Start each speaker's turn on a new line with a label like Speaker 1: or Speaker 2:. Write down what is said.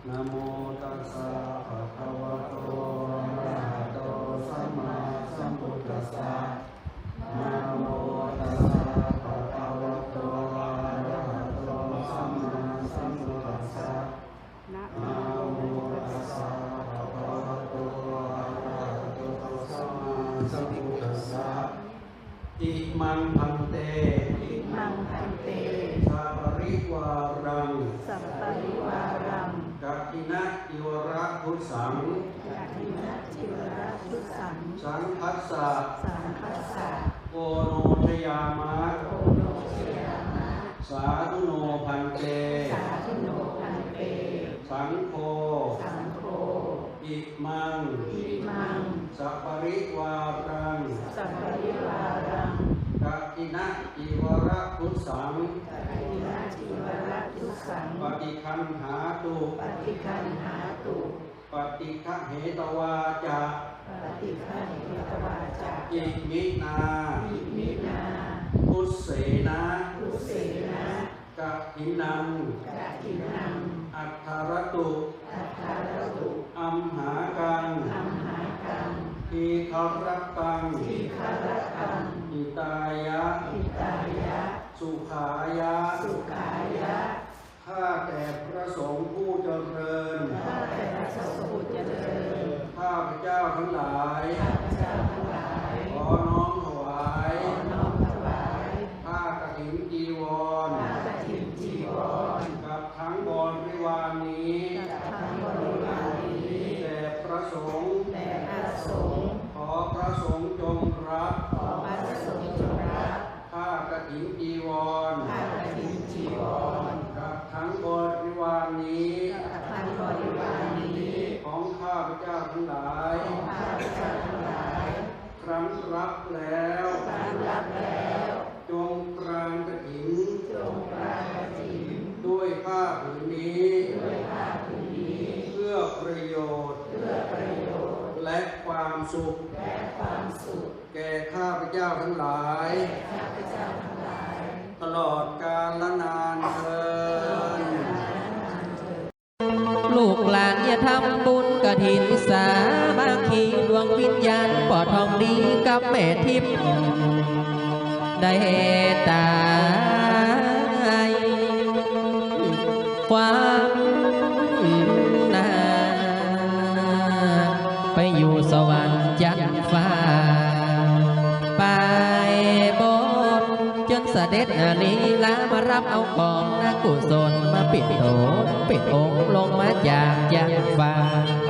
Speaker 1: นะโมตัสสะภะคะวะโตอะระหะโตสัมมาสัมพุทธัสสะนะโมตัสสะภะคะวะโตอะระหะโตสัมมาสัมพุทธัสสะนะโมตัสสะภะคะวะโตอะระหะโตสัมมาสัมพุทธัสสะอิมังพันเตอิมังพันเตสัพปริวารังสัพปริวารังกัตถินะจิวระพุทธังกัตถินะจิวระพุทธังสังคัสสะสังคัสสะโกโนชยามะโกโนชยามะสาธุโนพันเตสาธุโนพันเตสังโฆสังโฆอิมังอิมังสัพปริวารังสัพปริวารังกัตถินะจิวระพุทธังกัตถินะจิวระพุทธังปฏิคันหาตุปฏิคันหาตุปฏิฆะเหตวาจาปฏิฆะเหตวาจาอิมินาอิมินาพุทเสนะพุทเสนะกัตถินังกัตถินังอัฏฐารตุอัฏฐารตุอัมหากังอัมหากังทีฆรัตตังทีฆรัตตังหิตายะหิตายะสุขายะสุขายะข้าแต่พระสงฆ์ผู้เจริญข้าแต่พระสงฆ์ผู้เจริญข้าพเจ้าทั้งหลายข้าพเจ้าทั้งหลายขอน้อมถวายขอน้อมถวายผ้ากฐินจีวรผ้ากฐินจีวรกับทั้งบริวารนี้กับทั้งบริวารนี้แด่พระสงฆ์แด่พระสงฆ์ขอพระสงฆ์จงรับขอพระสงฆ์จงรับผ้ากฐินจีวรผ้ากฐินจีวรกับทั้งบริวารนี้กับทั้งบริวารนี้ของข้าพเจ้าทั้งหลายของข้าพเจ้าทั้งหลายครั้งรับแล้วครั้งรับแล้วจงกรานกฐินจงกรานกฐินด้วยผ้าผืนนี้ด้วยผ้าผืนนี้เพื่อประโยชน์เพื่อประโยชน์และความสุขและความสุขแก่ข้าพเจ้าทั้งหลายข้าพเจ้าทั้งหลายตลอดกาลนานเทอญ
Speaker 2: ลูกหลานอย่าทำบุญกฐินสามัคคีดวงวิญญาณปอดทองดีกับแม่ทิพย์ได้ตายความนาไปอยู่สวรรค์จันทร์ฟ้าไปบนจนเสด็จลีลามารับเอาของนักกุศลมาปิดโถปิดองค์ลงมาจากจันทร์ฟ้า